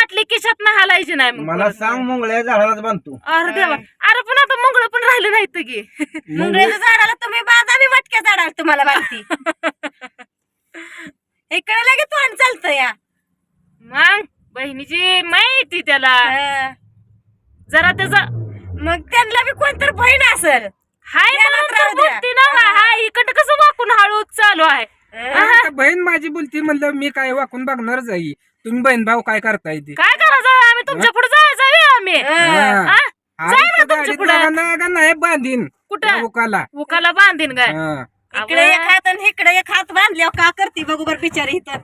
बाटली खिशात नाही हालायची नाही मग मला सांग मुंगळ्या झाडालाच बांधतो. अरे देवा, अरे पण आता मंगळ पण राहिले नाहीत की. मुंगळ्याच्या झाडाला तुम्ही बांधा, मी मटक्या झाडाला तुम्हाला बांधती. इकडे लगे तोंड चालतं या. मग बहिणीची माहिती त्याला हा. जरा त्याचा मग त्यांना बी कोणतर बहीण असेल. हाय म्हणून तर बोलती ना. हाय इकडं कसं वाकून हळूच चालू आहे. आता बहीण माझी बोलती म्हणलं मी काय वाकून बघणारच आहे. तुम्ही बहीण भाऊ काय करताय ते काय करायचं आम्ही तुमच्या पुढे जायचं आम्ही. हा. हा? आणि ना त्या तुमच्या गाडीत पुढं. नाही बांधीन कुठं उकाला. उकाला बांधीन काय हा. इकडे एक हात आणि इकडे एक हात बांधल्यावर का करते बघू बर बिचारी इथं.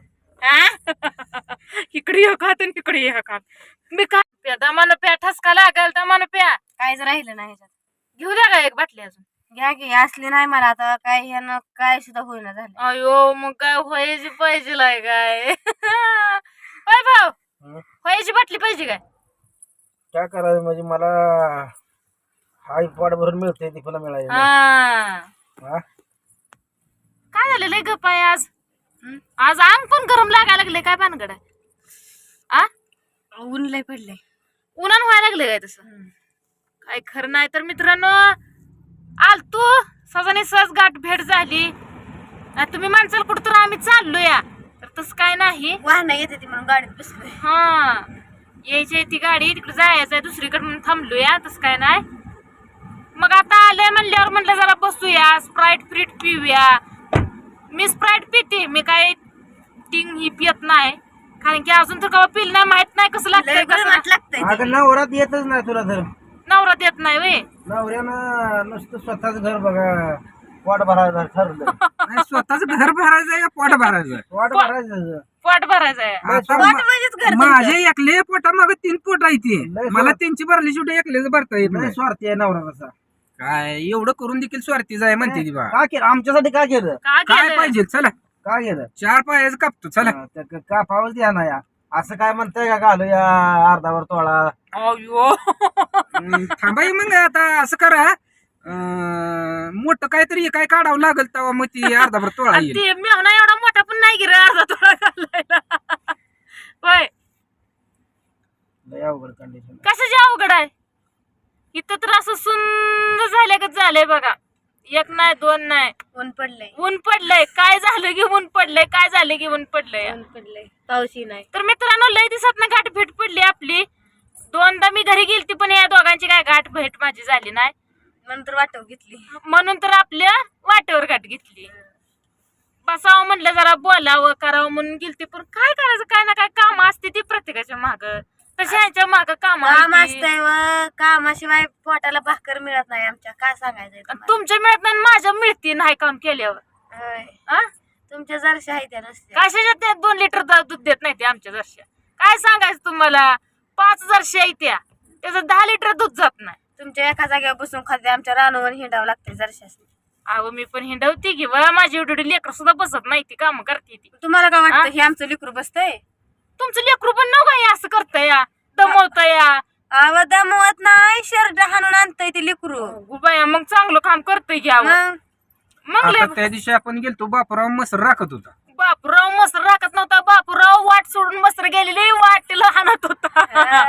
इकडे एक हात आणि इकडे एक हात. मी काय प्या दमानं प्या, ठसका लागल दमानं प्या. काहीच राहिलं नाही ह्याच्यात. घेऊ द्या का एक बाटली अजून. घ्या की, असली नाही मला आता काय ह्यानं काय सुद्धा होईना झालं. अयो मग काय व्हायची पाहिजे लाय काय. होय भाऊ, व्हायची बाटली पाहिजे काय. काय करायचं म्हणजे मला हाय पोट भरून मिळते ती पुन्हा मिळायची नाही. हा हा? काय झालं लय गप्प आहे आज. आज अंग पण गरम लागायला लागले काय भानगड आहे. आ ऊन लय पडलंय. उन्हान व्हायला लागले काय तसं. काय खरं नाही तर मित्रांनो, आलतू सजाने सहज गाठ भेट झाली. तुम्ही माणसाला कुठं तर आम्ही चाललो या, तर तसं काय नाही. वाहन येते ती म्हणून गाडीत बसलोय. हा यायची ती गाडी तिकडे जायचंय दुसरीकडे म्हणून थांबलोया, तसं काय नाही. मग आता आलंय म्हणल्यावर म्हणलं जरा बसूया, स्प्राईट फ्रीट पिऊया. मी स्प्राईट पिते, मी काय टिंग ही पियत नाही, कारण की अजून तर कवा पिल नाही, माहित नाही कसं लागतंय कसं नाही. लागतंय. अगं नवरात येतच नाही तुला तर. नवरा देत नाही वे. नवऱ्यानं नुसतं स्वतःच घर बघा पोट भरायचं ठरलं. नाही, स्वतःच घर भरायचंय का पोट भरायचंय. पोट भरायचं. पोट भरायचंय. आता पोट म्हणजेच घर माझे एकले पोटा माग 3 पोट आहे ते. लय मला त्यांची भरली शेवटी एकलेच भरता येत नाही नाही. स्वार्थी आहे नवरा कसा. काय एवढं करून देखील स्वार्थी जाय म्हणते ती बा. का केलं आमच्यासाठी का केलं? काय काय केलं? पाहिजे चला, का केलं? 4 पायाच कापतो चला. का पावच द्या ना या. असं काय म्हणताय का घालू या अर्धावर तोळा. अयो थांबाई मग आता असं करा, मोठं काहीतरी काय काढावं लागल तेव्हा मग ती अर्धाभर तोळा येईल. ते मेहना एवढा मोठा पण नाही गिरा अर्धा थोडा घालायला. होय लय अवघड कंडिशन. कशाची अवघड आहे. इथं तर असं सुंदर झाल्यागत झालंय बघा. एक नाही दोन नाही, ऊन पडलंय. ऊन पडलंय. काय झालं की ऊन पडलंय, काय झालं की ऊन पडलंय. ऊन पडलंय, पाऊसही नाही. तर मित्रांनो लय दिवसात ना गाठ भेट पडली आपली. 2दा मी घरी गेलती पण या दोघांची काय गाठ भेट माझी झाली नाही, नंतर वाटव घेतली. म्हणून तर आपल्या वाटेवर गाठ घेतली. बसावं म्हणलं जरा बोलावं करावं म्हणून गेलती, पण काय करायचं, काय ना काय काम असते ती प्रत्येकाच्या माग. तशी ह्यांच्या माग काम काम असतंय व कामाशिवाय पोटाला भाकर मिळत नाही आमच्या. काय सांगायचंय तुम्हाला? तुमच्या मिळत नाही माझ्या मिळते नाही काम केल्यावर. होय. आ? तुमच्या जरशा आहे त्या नसत्या. कशाच्या त्या 2 लिटर दूध देत नाही ते आमच्या जरशा. काय सांगायचं तुम्हाला, 5 जरशा आहे त्या, त्याचं 10 लिटर दूध जात नाही. तुमच्या एका जागेवर बसून खाते, आमच्या रानवर हिंडावं लागते जरशा. अहो मी पण हिंडवते की वा, माझी एवढी लेकर सुद्धा बसत नाही, ती काम करते ती. तुम्हाला काय वाटतं हे आमचं लेकरू बसतंय? तुमचं लेकरू पण नव काय असं करतय या, दमवतय या. आव दमवत नाही, शर्ट हाणून आणतंय ते लेकरू. गुबाया मग चांगलं काम करतय की अहो. मग मग आता त्या दिवशी आपण गेलतो बापराव मसर राखत होता. बापूराव मस्त राखत नव्हता. बापूराव वाट सोडून मस्त गेलेली, वाटेला हाणत होता.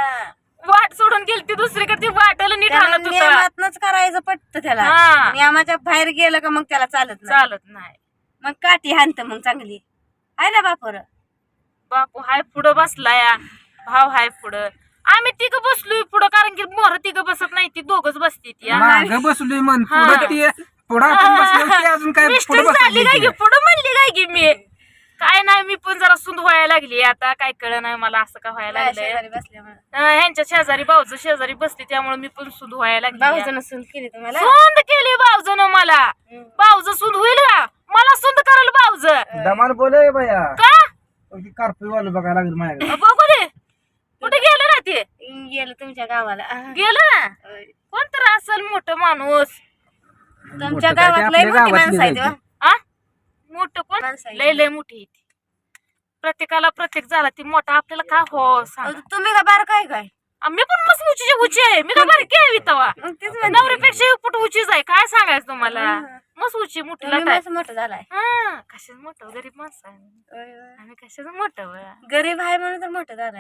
वाट सोडून गेली ती दुसरीकडे, ती वाटेला नीट हाणत होता. नियमातनच करायचं पटतं त्याला. हा. नियमाच्या बाहेर गेलं का मग त्याला चालत नाही. चालत नाही. मग काठी हाणत मग चांगली आहे ना बापर. बापू हाय पुढं बसला या, भाव हाय पुढं, आम्ही तिघ बसलोय पुढं, कारण की मोर तिघ बसत नाही, ती दोघच बसते ती. माग बसलोय म्हण हा. पुढं ते पुढं आपण बसलो ते अजून काय मिस्टर पुढं झाली काय की बसली. पुढं म्हणली काय की मी. काय नाही, मी पण जरा सुंद व्हायला लागली आता. काय कळ नाही मला असं का व्हायला लागलंय. शेजारी बसल्यामुळे ह्यांच्या शेजारी भाऊचं शेजारी बसते त्यामुळे मी पण सुंद व्हायला लागली. भाऊजन सून केली तुम्हाला. सुंद केली भाऊजन मला. भाऊज सुंद होईल का, मला सुंद कराल भाऊज दमान बोले बाया. का. कार्पी वाल बघायला लागेल माझ्याकडे. बघू दे कुठे गेलं ना ते. गेलं तुमच्या गावाला. गेलं ना कोणतर असेल मोठं माणूस. तुमच्या मोठं काय ते गावात लय आपल्या मोठी गावातली माणसं आहेत जायची. व. आ मोठं कोण माणसं आहेत. लय लय मोठी आहे ती. प्रत्येकाला प्रत्येक झाला ती मोठा आपल्याला का हो सांग. तुम्ही का बार काय काय मी पण मस्त उचीची उची आहे, मी का बारकी आहे तवा. मग तेच म्हणते. नवरीपेक्षा फुट उचीच आहे. काय सांगायचं तुम्हाला, मस्त उची मोठी तुम्ही लाट आहे. माणसं मोठं झालाय. हा कशाच मोठं, गरीब माणसं आहे होय, होय. आम्ही, कशाच मोठं गरीब आहे म्हणून तर मोठं झालाय.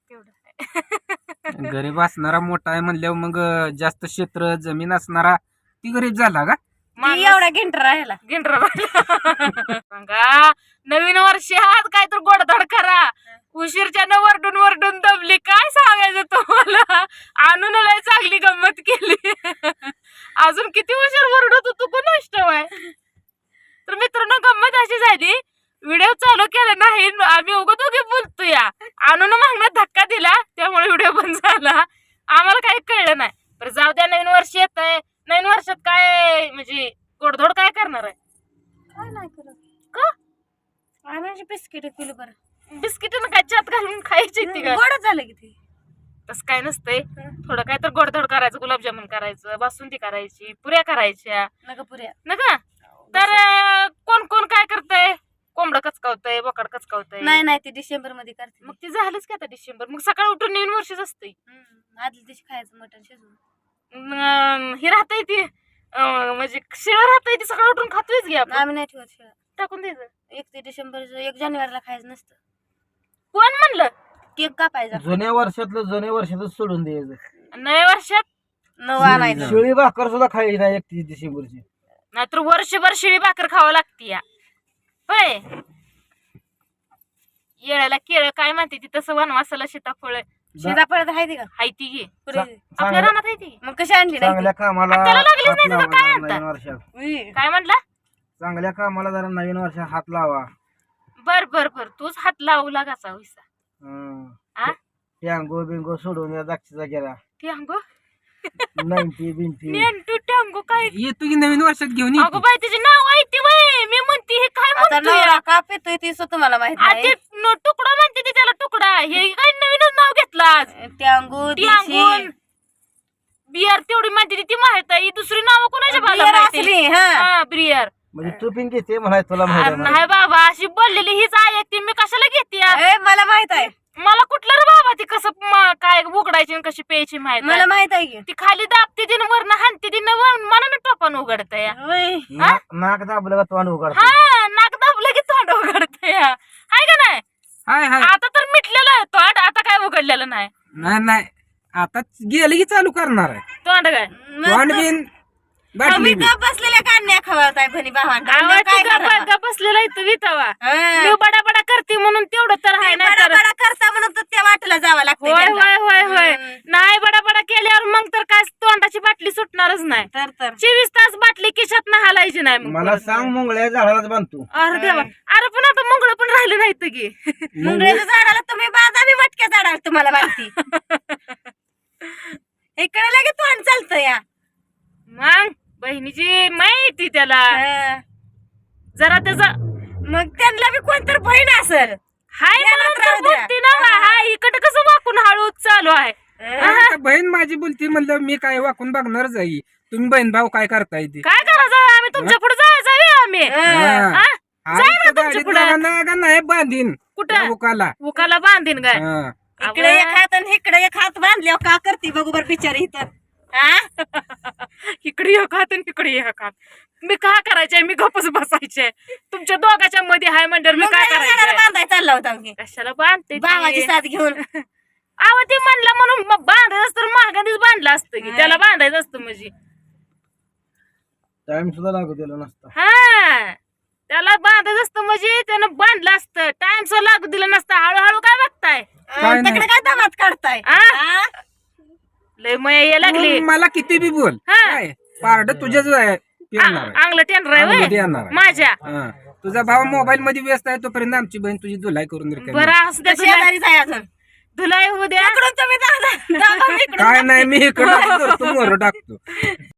तेवढं आहे. गरीब असणारा मोठा आहे म्हणल्यावर मग जास्त क्षेत्र जमीन असणारा ती गरीब झाला का? ती एवढा घेंटर राहिला. गिंडरा सांगा नवीन वर्षात काय तर गोडधोड करा. उशीरच्यानं वरडून वरडून दबली काय सांगायचं तुम्हाला. आणून लय चांगली गंमत केली. अजून किती उशीर वरडत होतो कोण आहे. तर मित्रांनो गंमत अशी झाली व्हिडिओ चालू केला नाही आम्ही उगं दोघे बोलतो या आणून मागण्यात धक्का दिला त्यामुळे व्हिडिओ बंद झाला. आम्हाला काही कळलं नाही. तर जाऊ द्या नवीन वर्ष येत आहे. नवीन वर्षात काय म्हणजे गोडधोड काय करणार आहे. काय नाही करत का आम्ही बिस्किट केली बरं. बिस्किटनं काय चात घालून खायची ती काय गोडच झालं की ते. तसं काय नसतंय. थोडं काय तर गोडधोड करायचं गुलाबजामुन करायचं बासुंदी करायची पुऱ्या करायच्या नका पुऱ्या नका. तर कोण कोण काय करतंय कोंबडं कचकावतंय बोकाड कचकावतंय. नाही नाही ते डिसेंबर मध्ये करते. मग ते झालंच की आता डिसेंबर. मग सकाळी उठून नवीन वर्षच असते. आदल्या दिवशी खायचं मटण शिजवून. हे राहतंय ती म्हणजे शिळ राहतंय ती सकाळी उठून खातोयच घ्या आम्ही नाही ठेवत शिळा. टाकून द्यायचं. 1 डिसेंबर 1 जानेवारीला खायचं नसतं. कोण म्हणलं केक कापायचा. जुन्या वर्षातच सोडून द्यायचं. नव्या वर्षात नवा आणायचं. शिळी भाकर सुद्धा खायची नाही 31 डिसेंबरची. नाहीतर वर्षभर शिळी भाकर खावं लागते या होय. येळ्याला केळ काय म्हणते ती तसं वनवासाला सीताफळ सीताफळ तर आहे ते का हाय ती घे पुरे. आपल्या रानात आहे ती. मग कशी आणली नाही चांगल्या कामाला त्याला लागलीच हात नाही तर लावा काय जरा आणता? नवीन वर्षात. ती? काय म्हणला. चांगल्या कामाला जरा नवीन वर्षात हात लावा. बर बर बर तूच हात लावू लागाचा होईसा. आ? टँगो बिंगो सोडून या दाक्षीचा गेला टँगो 90 बिंटी. नेंटू टँगो काय येतो की नवीन वर्षात घेऊन अगो बाई तिचे नाव आहे ती वय मी म्हणते हे काय आता म्हणतोय नवरा का पितोय ती सुद्धा तुम्हाला माहित आ, नाही. ते तुकडा म्हणते ती त्याला तुकडा हे काय नवीनच नाव घेतलं आज. टँगू टँगोन बियर तेवढी म्हणते ती माहित आहे. ही दुसरी नाव कोणाच्या मला बियर माहिती असली हा. हा बियर. म्हणजे तू पिन घेते म्हणाय तुला माहिती आहे मला. नाही बाबा अशी बोललेली हीच आहे ती मी कशाला घेते यार? ए, मला माहित आहे. मला कुठलं रे बाबा ती कसं काय उघडायची आणि कशी प्यायची माहित आहे. मला माहित आहे की. ती खाली दाबते दिन वरनं हाणते दिन मनानं टोपान उघडत या. होय. नाक दाबलं का तोंड उघडत. हा नाक दाबलं की तोंड उघडत या हाय का नाही. हाय हाय आता तर मिटलेलं आहे तोंड आता काय उघडलेलं नाही. नाही नाही आता गेलं की चालू करणार आहे तोंड काय तोंड बिन बाटली आम्ही बी. गप बसलेल्या कान्या खवळताय भनी भावांना. आवाज काय तुझा करणार? बडगा बसलेला इथं वितावा. हा. मी बडा बडा करते म्हणून तेवढं तर आहे नाही बडा तर बडा करता म्हणून तर त्या वाटेला जावं लागतं होय त्यांना. होय होय होय हम्म. नाही बडा बडा केल्यावर मग तर काय तोंडाची बाटली सुटणारच नाही. तर 24 तास बाटली खिशात ना हालायची नाही मग मला सांग मुंगळ्या झाडालाच बांधतो. अरे देवा अरे पण आता मंगळ पण राहिलं नाही तर की मुंगळ्याच्या झाडाला तुम्ही बाजा मी मटक्या झाडाला तुम्हाला माहिती. इकडे लगे तोंड चालतं या. मग बहिणीची माहिती त्याला हा. जरा त्याचा मग त्यांना बी कोणतर बहीण असेल. हाय ध्यानात म्हणून तर राहू द्या. बोलती ना हाय इकडे कसं वाकून हळूच चालू आहे. आता बहीण माझी बोलती म्हणलं मी काय वाकून बघणारच आहे. तुम्ही बहीण भाऊ काय करताय ते काय करायचं आम्ही तुमच्या पुढे जायचं आम्ही हा. हा? आणि ना त्या तुमच्या गाडीत पुढं. लागा नाही बांधीन कुठं? उकाला उकाला बांधीन काय हा. इकडे एक हात आणि इकडे एक हात बांधल्यावर का करते बघू बर बिचारी इथं. हा? इकडे एक हात आणि इकडे एक हात मी काय करायचंय मी गपच बसायचे तुमच्या दोघाच्या मध्ये हाय म्हणल्यावर मी काय मुंगळ्याच्या झाडाला करायचंय बांधाय चालला होता मी. कशाला बांधते भावाची साथ घेऊन. आव ती म्हणलं म्हणून मग बांधायचं असतं महागाधीच बांधलं असतं की त्याला बांधायचं असतं म्हणजे टाइम सुद्धा लागू दिला नसता. हा त्याला बांधायचं असतं म्हणजे त्यानं बांधलं असतं टाइम सुद्धा लागू दिलं नसतं हळूहळू काय बघताय काय नाही. तिकडे काय दामात काढताय. आ? हा? लय मया ये लागली मग मला किती बी बोल हा. काय पारड तुझ्याच आहे फिरणार आहे. अंगलं टेंडर आहे अंगलट व्हय? येणार आहे. माझ्या हा. तुझा भाव मोबाईल मध्ये व्यस्त आहे तोपर्यंत आमची बहीण तुझी धुलाई करून रिकामी. बरं असू द्या शेजारीच आहे अजून. धुलाई होऊ द्या इकडून तुम्ही दाबा, मी इकडून काय नाही मी इकडं मोर टाकतो